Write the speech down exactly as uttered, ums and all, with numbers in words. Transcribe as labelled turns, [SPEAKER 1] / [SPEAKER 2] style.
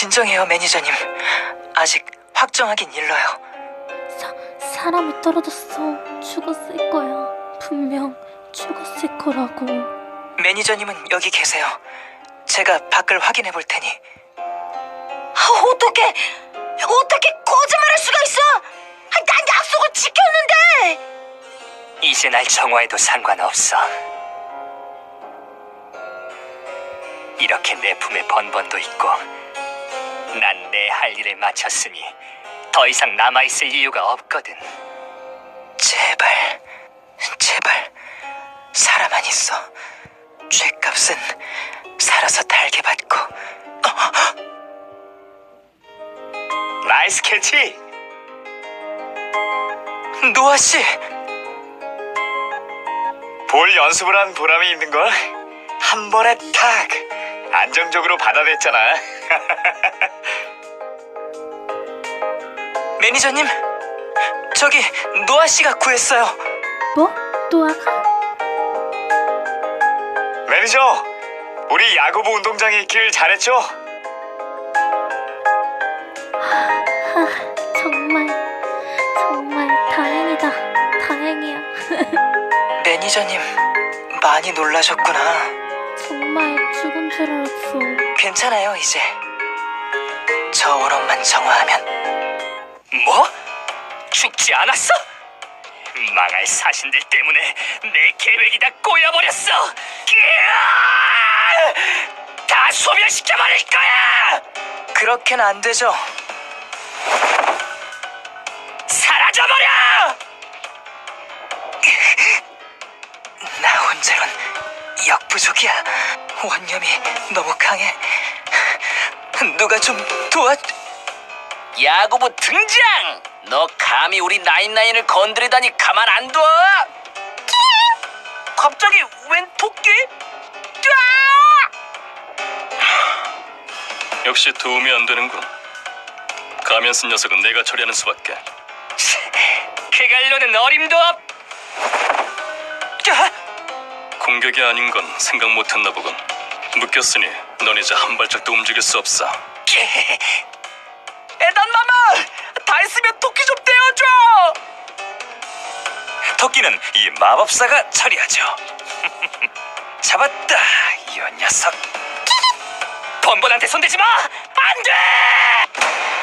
[SPEAKER 1] 진정해요, 매니저님. 아직 확정하긴 일러요.
[SPEAKER 2] 사, 사람이 떨어졌어. 죽었을 거야. 분명 죽었을 거라고.
[SPEAKER 1] 매니저님은 여기 계세요. 제가 밖을 확인해 볼 테니.
[SPEAKER 3] 아, 어떻게 어떻게 거짓말할 수가 있어? 아, 난 약속을 지켰는데.
[SPEAKER 1] 이제 날 정화해도 상관없어. 이렇게 내 품에 번번도 있고 난 내 할 일을 마쳤으니 더 이상 남아있을 이유가 없거든. 제발, 제발 살아만 있어. 죗값은 살아서 달게 받고. 나이스 캐치! 노아씨! 볼 연습을 한 보람이 있는걸? 한 번에 탁! 안정적으로 받아냈잖아. 매니저님, 저기 노아씨가 구했어요.
[SPEAKER 2] 뭐? 노아가?
[SPEAKER 4] 매니저, 우리 야구부 운동장에 있길 잘했죠?
[SPEAKER 2] 아, 정말 정말 다행이다. 다행이야.
[SPEAKER 1] 매니저님, 많이 놀라셨구나.
[SPEAKER 2] 정말 죽은 줄 알았어.
[SPEAKER 1] 괜찮아요, 이제. 저 원혼만 정화하면. 뭐? 죽지 않았어? 망할 사신들 때문에 내 계획이 다 꼬여버렸어. 끼야! 다 소멸시켜버릴 거야! 그렇게는 안 되죠. 사라져버려! 나 혼자론 역부족이야. 원념이 너무 강해. 누가 좀 도와... 야구부 등장! 너 감히 우리 나인나인을 건드리다니 가만 안 둬! 갑자기 웬 토끼?
[SPEAKER 5] 역시 도움이 안 되는군. 가면 쓴 녀석은 내가 처리하는 수밖에.
[SPEAKER 1] 그갈로는 어림도 없...
[SPEAKER 5] 공격이 아닌 건 생각 못했나 보군. 묶였으니 넌 이제 한 발짝도 움직일 수 없어.
[SPEAKER 1] 에단마마! 다 했으면 토끼 좀 떼어줘! 토끼는 이 마법사가 처리하죠. 잡았다, 이 녀석. 번번한테 손대지 마! 안 돼!